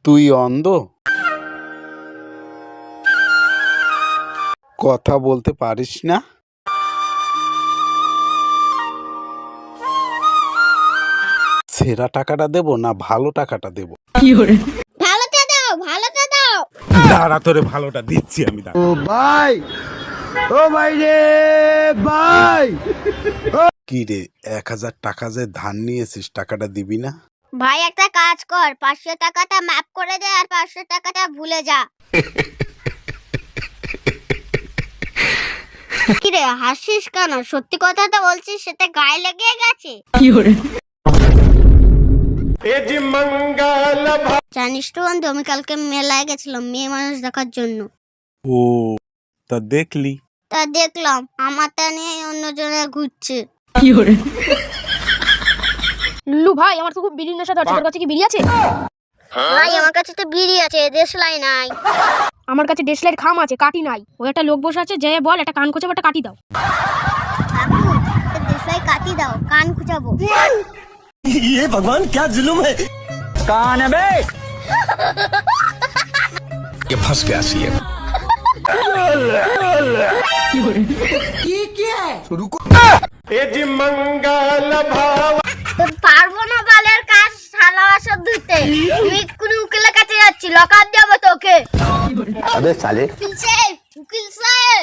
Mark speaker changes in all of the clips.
Speaker 1: তুই অন্ধ? কথা বলতে পারিস না? সেরা টাকাটা দেব না ভালো টাকাটা দেব?
Speaker 2: ভালোটা দাও, ভালোটা দাও।
Speaker 1: দাঁড়া, তোরে ভালোটা দিচ্ছি আমি। দাঁড়া।
Speaker 3: ও ভাই, ও ভাই রে ভাই।
Speaker 1: কি রে, 1000 টাকা যে ধার নিয়েছিস, টাকাটা দিবি না?
Speaker 2: ভাই একটা কাজ কর, 500 টাকাটা মাফ করে দে আর 500 টাকাটা ভুলে যা। কি রে হাসিস কেন? সত্যি কথাটা বলছিস, সেটা গায়ে লেগে গেছে। জানিস তো বন্ধু, আমি কালকে মেলায় গেছিলাম মেয়ে মানুষ দেখার জন্য।
Speaker 1: ও, তা দেখলি?
Speaker 2: তা দেখলাম আমারটা নিয়ে অন্যজনে ঘুরছে।
Speaker 4: লুল্লু ভাই, আমার তো খুব বিড়ির নেশা ধরছে। তোর কাছে কি বিড়ি আছে?
Speaker 2: ভাই আমার কাছে তো বিড়ি আছে, দেশলাই নাই।
Speaker 4: আমার কাছে দেশলাইয়ের খাম আছে, কাটি নাই। ওই একটা লোক বসে আছে, যে বল একটা কান খোঁচাবো, একটা কাটি দাও।
Speaker 2: কাকু, একটা দেশলাই কাটি দাও, কান খুঁজাবো।
Speaker 3: ये भगवान क्या जुल्म है। कौन है बे?
Speaker 1: ये फंस गया सीएम।
Speaker 2: তোর পারবো না বালের কাজ, শালা বাসা ধুতে। আমি কোনো উকিলের কাছে যাচ্ছি, লকার দেবো তোকে।
Speaker 3: अबे साले।
Speaker 2: উকিল সাহেব, উকিল সাহেব।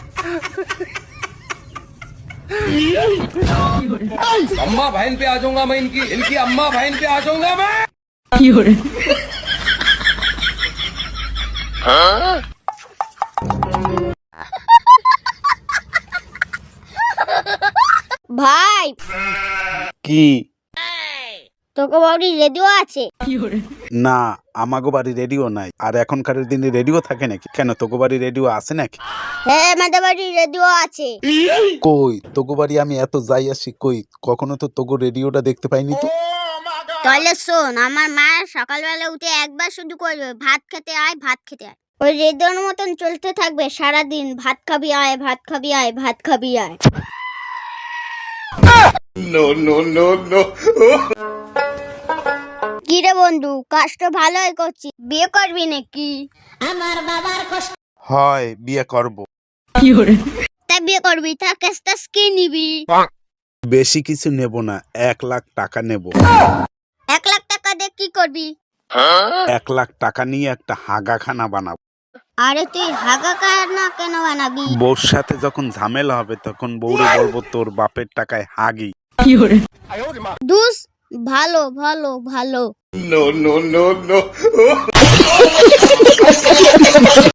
Speaker 5: अम्मा बहन पे आ जाऊंगा मैं, इनकी अम्मा बहन पे आ जाऊंगा मैं।
Speaker 2: ভাই
Speaker 1: কি?
Speaker 2: তোকে বাড়ি রেডিও আছে?
Speaker 1: না, আমাগো বাড়ি রেডিও নাই। আর এখনকার দিনে রেডিও থাকে নাকি? কেন, তোগো বাড়ি রেডিও আছে নাকি?
Speaker 2: হ্যাঁ, আমাদের বাড়ি রেডিও আছে।
Speaker 1: কই তোগো বাড়ি আমি এত যাই আসি, কই কখনো তো তোগো রেডিওটা দেখতে পাইনি তো।
Speaker 2: তাহলে শোন, আমার মা সকালবেলা উঠে একবার শুধু করবে, ভাত খেতে আয়, ভাত খেতে আয়। ওই রেডিওর মতন চলতে থাকবে সারাদিন, ভাত খাবি আয়, ভাত খাবি আয়, ভাত খাবি আয়। কি রে বন্ধু, কাজটা ভালোই করছি, বিয়ে করবি নাকি?
Speaker 1: হয়, বিয়ে করব।
Speaker 2: তা বিয়ে করবি, তা কেসটা কি নিবি?
Speaker 1: বেশি কিছু নেব না, 1 লাখ টাকা নেব।
Speaker 2: 1 লাখ টাকা দিয়ে কি করবি?
Speaker 1: 1 লাখ টাকা নিয়ে একটা হাগাখানা বানাবো।
Speaker 2: আরে তুই হাগা কানা কেন বানাবি?
Speaker 1: বউর সাথে যখন ঝামেলা হবে তখন বউরে বলবো তোর বাপের টাকায় হাগি।
Speaker 2: দুস, ভালো ভালো ভালো।